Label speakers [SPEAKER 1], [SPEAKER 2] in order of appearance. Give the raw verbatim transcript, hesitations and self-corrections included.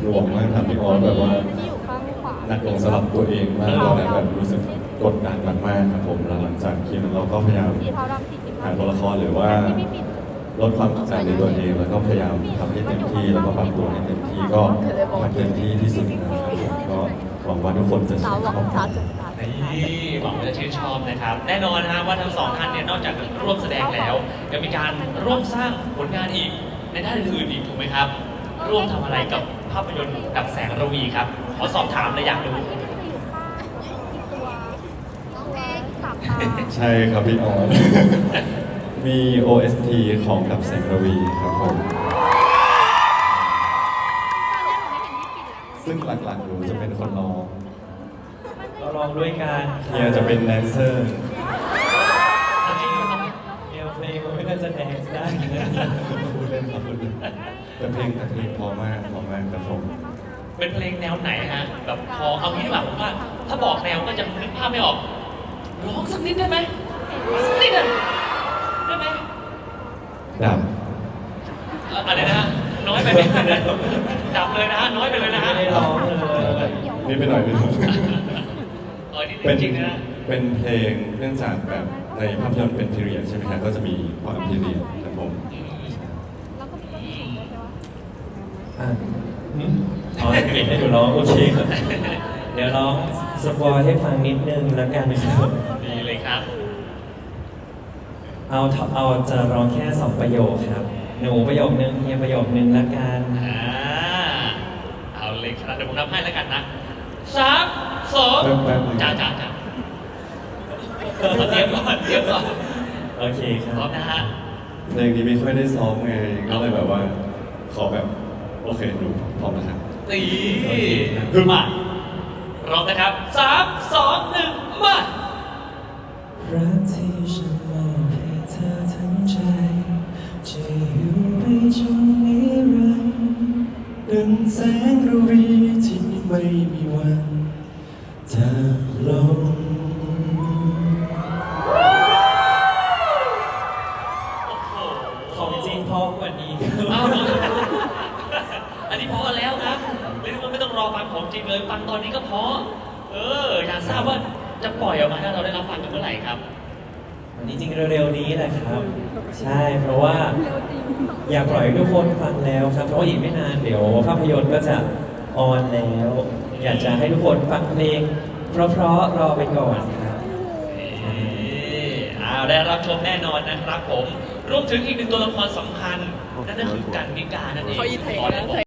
[SPEAKER 1] น่วงมากครับพี่ออสแบบว่า
[SPEAKER 2] ที่อยู่ข้างขวา
[SPEAKER 1] หนักลงสำหรับตัวเองมากตอนนั้นแบบรู้สึกกดดันมากๆครับผมแล้วหลังจากคิดเราก็พยายาม
[SPEAKER 2] สีเทาดำสี่สิบ
[SPEAKER 1] หาตัวละครหรือว่าลดความกดดันในตัวเองแล้วก็พยายามทำให้เต็มที่แล้วก็ปรับตัวให้เต็มที่ก็ทำเต็มที่ที่สุดนะครับก็หวังว่าทุกคนจะช
[SPEAKER 2] สา
[SPEAKER 1] อ
[SPEAKER 2] ว
[SPEAKER 1] บ
[SPEAKER 2] หวังชาจุดตา
[SPEAKER 3] นี่หวังว่าจะชื่นชอบนะครับ แน่นอนนะฮะว่าทั้งสองท่านเนี่ยนอกจากร่วมแสดงแล้วยังมีการร่วมสร้างผลงานอีกในด้านอื่นๆอีกถูกไหมครับ ร่วมทำอะไรกับภาพยนตร์กับแสงระวีครับขอสอบถามเลยอยากรู้
[SPEAKER 2] ที่จะอยู่ข้างอีกตัวตัวสามตา
[SPEAKER 1] ใช่ครับพี่ออส มี โอ เอส ที ของกับแสงระวีครับผมซึ่งหลักๆหนูจะเป็นคนร้อง
[SPEAKER 4] เราลองด้วยกัน
[SPEAKER 1] เฮียจะเป็นแดนเซอร์
[SPEAKER 4] เดียวเพลงมันไม่น่าจะแดนซ์ได้นะ
[SPEAKER 1] พูดเล่นครับพูดเล่นแต่เพลงแต่เพลงพอมากพอมากครับผม
[SPEAKER 3] เป็นเพลงแนวไหนฮะแบบพอเอางี้ดีกว่าผมว่า ถ้าบอกแนวก็จะนึกภาพไม่ออกร้องสักนิดได้ไหมสักนิดอะได้ไหม
[SPEAKER 1] ดับ
[SPEAKER 3] อะไรนะฮะน้อยไปไหมดับเลยนะฮะน้อยไปเลยนะฮะ
[SPEAKER 4] ไม่ได้ร้องเลย
[SPEAKER 1] นี่ไปหน่อยไปหน่อย
[SPEAKER 3] เออนี่
[SPEAKER 1] เป็น
[SPEAKER 3] จริงๆนะ
[SPEAKER 1] เป็นเพลงเนื่องจากแบบในภาพยนตร์เป็นพีเรียดใช่ไหมครับก็จะมีความพีเรียดครับผม
[SPEAKER 2] แล้วก็มีต้นสูงด้วยใช่ไหม
[SPEAKER 4] อ่ะอืมอ๋อปิดให้หนูร้องโอเคครับเดี๋ยวร้องสปอยให้ฟังนิดนึงแล้วกันนะครับ
[SPEAKER 3] ดีเลยครับ
[SPEAKER 4] เอาเอาจะร้องแค่สองประโยคครับ หนูประโยคนึงเฮียประโยคนึงแล้วกัน
[SPEAKER 3] อ่าเอาเลยครับเดี๋ยวผมนับให้แล้วกันนะสามสอง
[SPEAKER 1] แป๊บๆ
[SPEAKER 3] จ้าจ้าจ้าเตรียมก่อนเตรียมก่อน
[SPEAKER 4] โอเคค
[SPEAKER 3] พร้อ
[SPEAKER 4] รั
[SPEAKER 3] ม
[SPEAKER 4] บ
[SPEAKER 3] นะฮะ
[SPEAKER 1] เพลงนี้ไม่ค่อยได้ซ้อมไงก็เลยแบบว่า ขอแบบโอเคดูพร้อมนะครับ
[SPEAKER 3] ตีคือมาร้องนะครับสามสองหนึ่งมา
[SPEAKER 4] รักที่ฉันมอบให้เธอทั้งใจจะอยู่ไปจนนิรันดร์ดังแสงระวีที่ไม่มีวันจะลง
[SPEAKER 3] โอ้โห
[SPEAKER 4] ของจริงพอกว่านี้
[SPEAKER 3] เอาอันนี้พอแล้วครับเรียกว่าไม่ต้องรอฟังของจริงเลยฟังตอนนี้ก็พอเอออยากทราบว่าจะปล่อยออกมาให้เราได้รับฟังกันเมื่อไหร่ครับ
[SPEAKER 4] วันนี้จริงเร็วๆนี้แหละครับ ใช่เพราะว่าอยากปล่อยให้ทุกคนฟังแล้วครับ เพราะว่าอีกไม่นานเดี๋ยวภาพยนตร์ก็จะออนแล้ว อยากจะให้ทุกคนฟังเพลง เพราะๆรอไปก่อนครับ
[SPEAKER 3] อ้าวได้รับชมแน่นอนนะครับผม รวมถึงอีกหนึ่งตัวละครสำคัญ นั่นก็คือกันนิกานั่นเอง